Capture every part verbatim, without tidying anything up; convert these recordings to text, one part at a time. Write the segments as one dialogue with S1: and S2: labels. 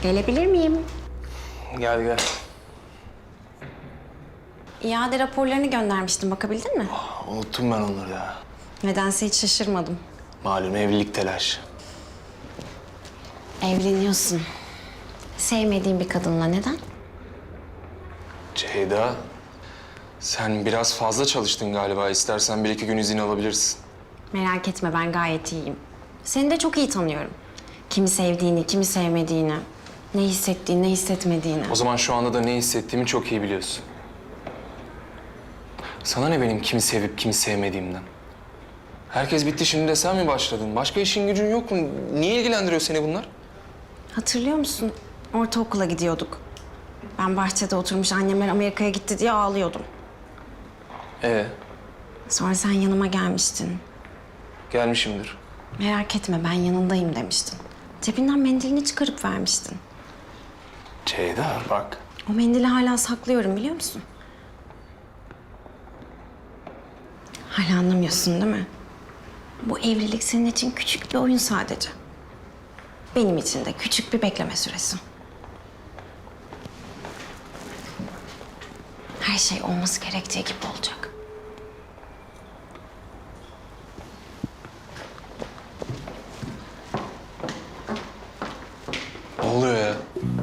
S1: Gelebilir miyim?
S2: Gel gel.
S1: İade raporlarını göndermiştim. Bakabildin mi?
S2: Unuttum ben onları ya.
S1: Nedense hiç şaşırmadım.
S2: Malum evlilik telaşı.
S1: Evleniyorsun. Sevmediğin bir kadınla neden?
S2: Ceyda, sen biraz fazla çalıştın galiba. İstersen bir iki gün izin alabilirsin.
S1: Merak etme, ben gayet iyiyim. Seni de çok iyi tanıyorum. Kimi sevdiğini, kimi sevmediğini, ne hissettiğini, ne hissetmediğini.
S2: O zaman şu anda da ne hissettiğimi çok iyi biliyorsun. Sana ne benim kimi sevip kimi sevmediğimden? Herkes bitti, şimdi de sen mi başladın? Başka işin gücün yok mu? Niye ilgilendiriyor seni bunlar?
S1: Hatırlıyor musun? Ortaokula gidiyorduk. Ben bahçede oturmuş, annemler Amerika'ya gitti diye ağlıyordum.
S2: Ee,
S1: Sonra sen yanıma gelmiştin.
S2: gelmişimdir.
S1: Merak etme, ben yanındayım demiştin. Cebinden mendilini çıkarıp vermiştin.
S2: Ceyda bak.
S1: O mendili hala saklıyorum, biliyor musun? Hala anlamıyorsun değil mi? Bu evlilik senin için küçük bir oyun sadece. Benim için de küçük bir bekleme süresi. Her şey olması gerektiği gibi olacak.
S2: Ne oluyor ya?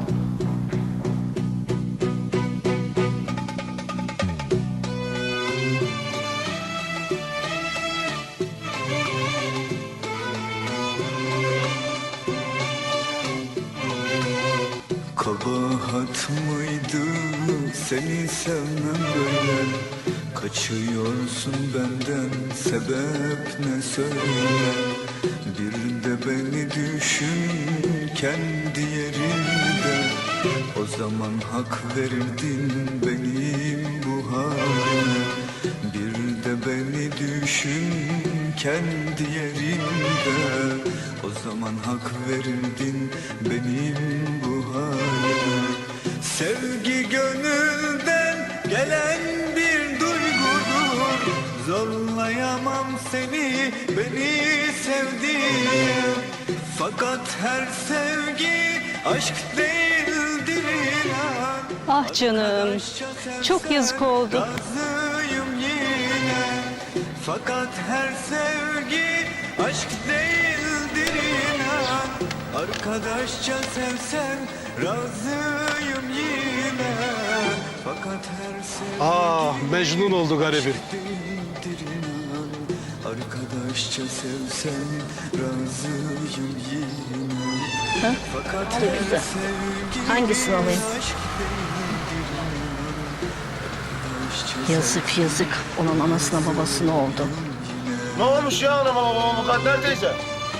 S3: Kabahat mıydı seni sevmem böyle? Kaçıyorsun benden, sebep ne söyle? Bir de beni düşün kendi yerinde. O zaman hak verirdin benim bu halime. Bir de beni düşün kendi yerinde. O zaman hak verirdin benim bu halime. Sevgi gönülden gelen bir duygudur. Zorlayamam seni, beni sevdiğine. Fakat her sevgi aşk değildir inan.
S4: Ah canım, çok yazık oldu.
S3: Razıyım yine. Fakat her sevgi aşk değildir inan. Arkadaşça sevsen razıyım yine. Fakat her sevgi
S5: Ah, Mecnun oldu garibim.
S3: değildir inan. Arkadaşça sevsen razıyım yine.
S4: Ha?
S3: Fakat
S4: Çok
S3: her
S4: güzel.
S3: sevgi
S4: Hangisini alayım?
S3: aşk değildir inan. Arkadaşça
S4: Yazık yazık. Onun anasına babasına oldu.
S5: Ne olmuş ya anama babama Mukadder teyze?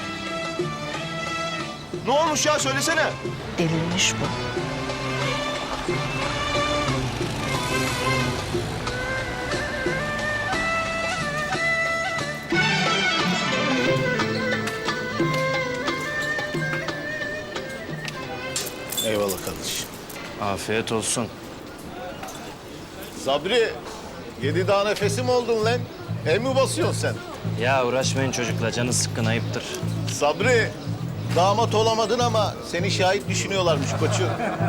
S5: Ne olmuş ya söylesene.
S4: Delirmiş bu.
S5: Eyvallah kardeşim.
S6: Afiyet olsun.
S5: Sabri, yedi daha nefesim oldun lan. El mi basıyorsun sen?
S6: Ya uğraşmayın çocukla, canı sıkkın, ayıptır.
S5: Sabri, damat olamadın ama seni şahit düşünüyorlarmış koçum.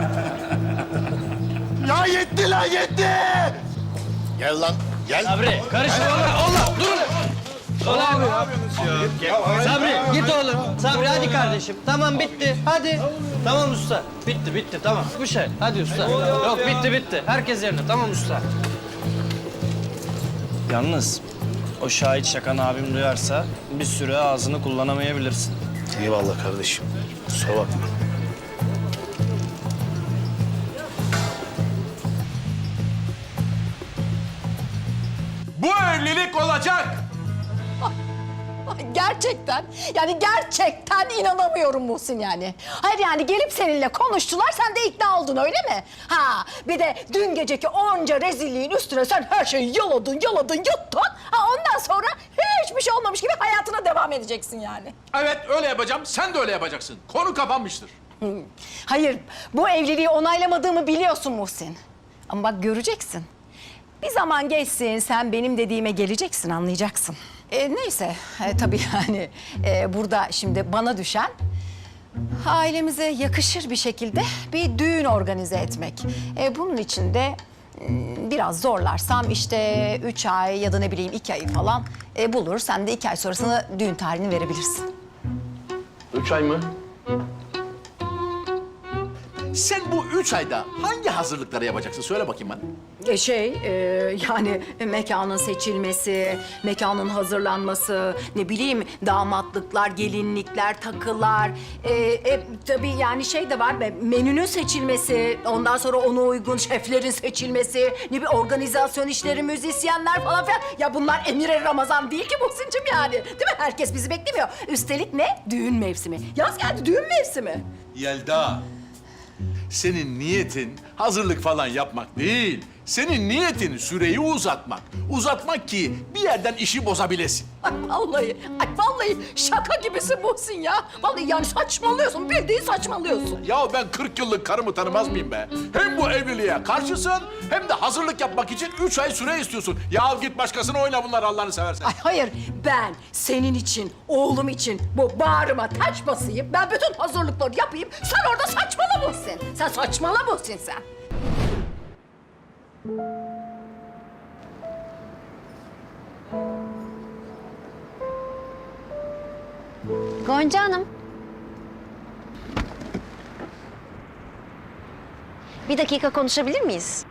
S5: Ya yetti lan yetti! Gel lan, gel.
S6: Sabri, karışma oğlum, oğlum, dur ulan! Ulan! Sabri, git oğlum. Sabri, hadi kardeşim. Tamam, bitti. Hadi. Tamam usta. Bitti, bitti. Tamam. Bu şey. Hadi usta. Yok, bitti, bitti. Herkes yerine. Tamam usta. Yalnız o şahit şakanı abim duyarsa bir süre ağzını kullanamayabilirsin.
S5: Eyvallah kardeşim. Kusura bakma.
S7: Bu evlilik olacak.
S8: Gerçekten, yani gerçekten inanamıyorum Muhsin yani. Hayır yani gelip seninle konuştular, sen de ikna oldun öyle mi? Ha, bir de dün geceki onca rezilliğin üstüne sen her şeyi yaladın, yaladın, yuttun. Ha, ondan sonra hiçbir şey olmamış gibi hayatına devam edeceksin yani.
S7: Evet öyle yapacağım. Sen de öyle yapacaksın. Konu kapanmıştır.
S8: Hayır, bu evliliği onaylamadığımı biliyorsun Muhsin. Ama bak göreceksin. Bir zaman geçsin, sen benim dediğime geleceksin, anlayacaksın. E, neyse, e, tabii yani e, burada şimdi bana düşen Ailemize yakışır bir şekilde bir düğün organize etmek. E, bunun için de mm, biraz zorlarsam işte üç ay ya da ne bileyim iki ay falan e, bulur. Sen de iki ay sonrasında düğün tarihini verebilirsin.
S7: Üç ay mı? Sen bu üç ayda hangi hazırlıkları yapacaksın? Söyle bakayım bana.
S8: E, şey e, yani mekanın seçilmesi, mekanın hazırlanması, ne bileyim damatlıklar, gelinlikler, takılar. E, e, tabii yani şey de var, be, menünün seçilmesi, ondan sonra ona uygun şeflerin seçilmesi, ne bileyim organizasyon işleri, müzisyenler falan filan. Ya bunlar Emir Ramazan değil ki Muhsin'cim yani. Değil mi? Herkes bizi beklemiyor. Üstelik ne? Düğün mevsimi. Yaz geldi, düğün mevsimi.
S7: Yelda, senin niyetin hazırlık falan yapmak değil. Senin niyetin süreyi uzatmak. Uzatmak ki bir yerden işi bozabilesin.
S8: Ay vallahi, ay vallahi şaka gibisin Muhsin ya. Vallahi yani saçmalıyorsun, bildiğin saçmalıyorsun.
S7: Ya ben kırk yıllık karımı tanımaz mıyım be? Hem bu evliliğe karşısın hem de hazırlık yapmak için üç ay süre istiyorsun. Ya git başkasına oyna bunlar Allah'ını seversen.
S8: Ay hayır, ben senin için, oğlum için bu bağrıma taş basayım. Ben bütün hazırlıkları yapayım. Sen orada saçmala Muhsin. Sen saçmala Muhsin sen.
S1: Gonca Hanım. Bir dakika konuşabilir miyiz?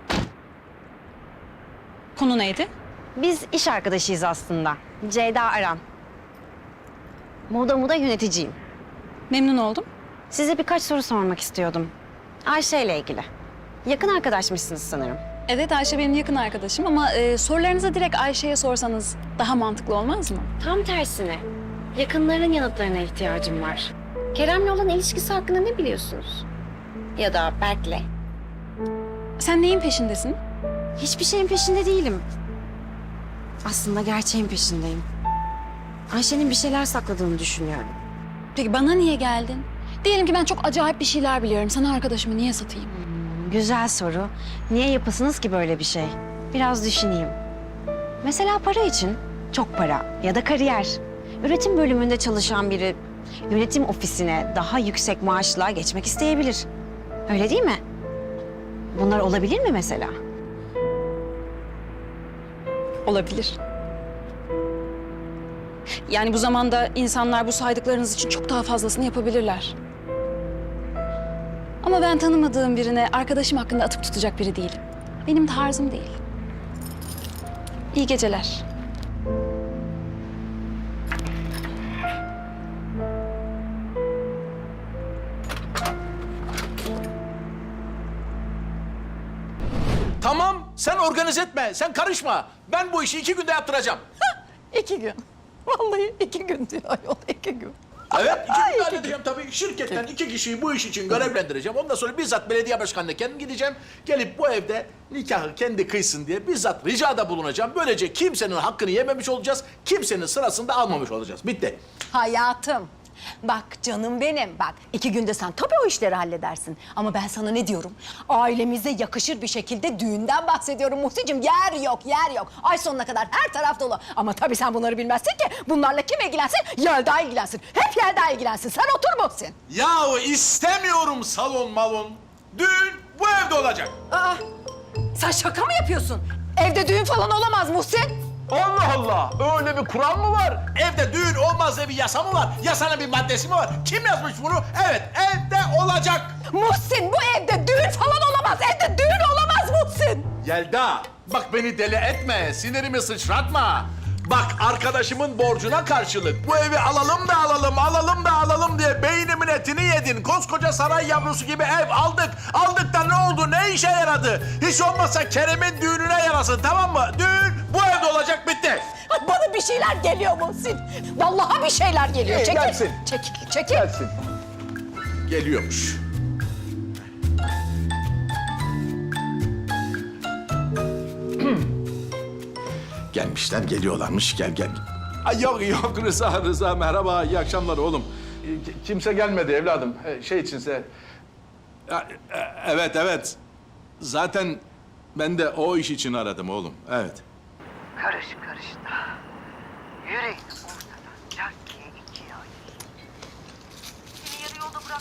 S9: Konu neydi?
S1: Biz iş arkadaşıyız aslında. Ceyda Aran. Moda Moda yöneticiyim.
S9: Memnun oldum.
S1: Size birkaç soru sormak istiyordum. Ayşe ile ilgili. Yakın arkadaşmışsınız sanırım.
S9: Evet, Ayşe benim yakın arkadaşım ama e, sorularınızı direkt Ayşe'ye sorsanız daha mantıklı olmaz mı?
S1: Tam tersine. Yakınların yanıtlarına ihtiyacım var. Kerem'le olan ilişkisi hakkında ne biliyorsunuz? Ya da Berk'le.
S9: Sen neyin peşindesin?
S1: Hiçbir şeyin peşinde değilim. Aslında gerçeğin peşindeyim. Ayşe'nin bir şeyler sakladığını düşünüyorum.
S9: Peki bana niye geldin? Diyelim ki ben çok acayip bir şeyler biliyorum. Sana arkadaşımı niye satayım?
S1: Güzel soru. Niye yapasınız ki böyle bir şey? Biraz düşüneyim. Mesela para için. Çok para ya da kariyer. Üretim bölümünde çalışan biri yönetim ofisine daha yüksek maaşla geçmek isteyebilir. Öyle değil mi? Bunlar olabilir mi mesela?
S9: Olabilir. Yani bu zamanda insanlar bu saydıklarınız için çok daha fazlasını yapabilirler. Ama ben tanımadığım birine arkadaşım hakkında atıp tutacak biri değilim. Benim tarzım değil. İyi geceler.
S7: Tamam, sen organize etme, sen karışma. Ben bu işi iki günde yaptıracağım.
S8: İki gün. Vallahi iki gün diyor ayol, iki gün.
S7: Evet, iki günde halledeceğim tabii. Şirketten iki kişiyi bu iş için görevlendireceğim. Ondan sonra bizzat belediye başkanına kendim gideceğim. Gelip bu evde nikahı kendi kıysın diye bizzat ricada bulunacağım. Böylece kimsenin hakkını yememiş olacağız, kimsenin sırasını da almamış olacağız. Bitti.
S8: Hayatım, bak canım benim, bak iki günde sen tabii o işleri halledersin. Ama ben sana ne diyorum? Ailemize yakışır bir şekilde düğünden bahsediyorum Muhsin'cim. Yer yok, yer yok. Ay sonuna kadar her taraf dolu. Ama tabii sen bunları bilmezsin ki. Bunlarla kim ilgilensin? Yelda ilgilensin. Hep Yelda ilgilensin. Sen otur Muhsin.
S7: Yahu istemiyorum salon malon. Düğün bu evde olacak.
S8: Aa, sen şaka mı yapıyorsun? Evde düğün falan olamaz Muhsin.
S7: Allah Allah! Öyle bir kural mı var? Evde düğün olmaz diye bir yasa mı var? Yasanın bir maddesi mi var? Kim yazmış bunu? Evet, evde olacak.
S8: Muhsin, bu evde düğün falan olamaz. Evde düğün olamaz Muhsin.
S7: Yelda, bak beni deli etme, sinirimi sıçratma. Bak arkadaşımın borcuna karşılık bu evi alalım da alalım, alalım da alalım diye beynimin etini yedin. Koskoca saray yavrusu gibi ev aldık. Aldık da ne oldu, ne işe yaradı? Hiç olmazsa Kerem'in düğününe yarasın, tamam mı? Düğün bu evde olacak, bitti.
S8: Ay, bana bir şeyler geliyor Muhsin. Vallahi bir şeyler geliyor.
S7: İyi,
S8: Çekil.
S7: gelsin.
S8: Çekil, çekil.
S7: Gelsin. Geliyormuş. Gelmişler, geliyorlarmış. Gel, gel. Ay yok, yok Rıza, Rıza. Merhaba, iyi akşamlar oğlum. Ki- Kimse gelmedi evladım. E, Şey içinse... Ya, e, Evet, evet. Zaten ben de o iş için aradım oğlum. Evet.
S10: Karış karış da. Yüreğini ortadan cakiye ikiye ayır. Seni yarı yolda bırakmak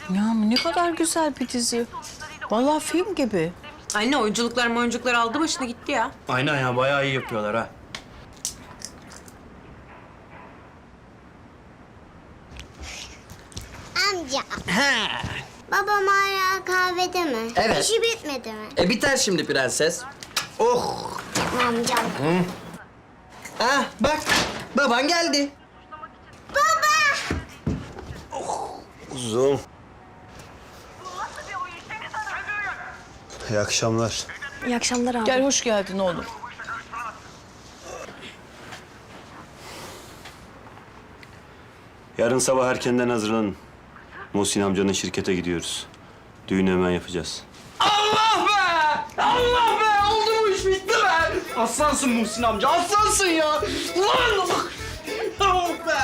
S8: Ya ne kadar güzel bir dizi. Vallahi film gibi.
S1: Anne oyunculuklar oyunculuklar aldı başını gitti ya.
S6: Aynen ya bayağı iyi yapıyorlar ha.
S11: Amca,
S6: He.
S11: babam hala kahvede mi?
S6: Evet.
S11: İşi bitmedi mi?
S6: E biter şimdi prenses. Oh.
S11: Amca.
S6: Ah bak baban geldi.
S3: Uzun. İyi akşamlar.
S9: İyi akşamlar abi.
S8: Gel hoş geldin oğlum.
S3: Yarın sabah erkenden hazırlanın. Muhsin amcanın şirkete gidiyoruz. Düğünü hemen yapacağız.
S6: Allah be! Allah be! Oldu bu iş bitti be! Aslansın Muhsin amca, aslansın ya! Lan! Oh be!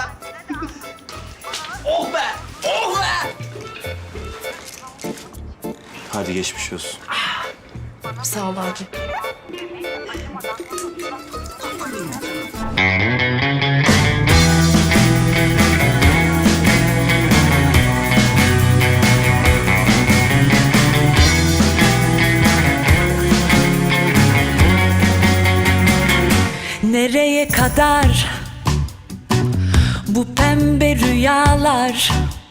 S6: Oh be! Oh be!
S3: Hadi geçmiş olsun.
S8: Sağ ol abi.
S12: Nereye kadar bu pembe rüyalar?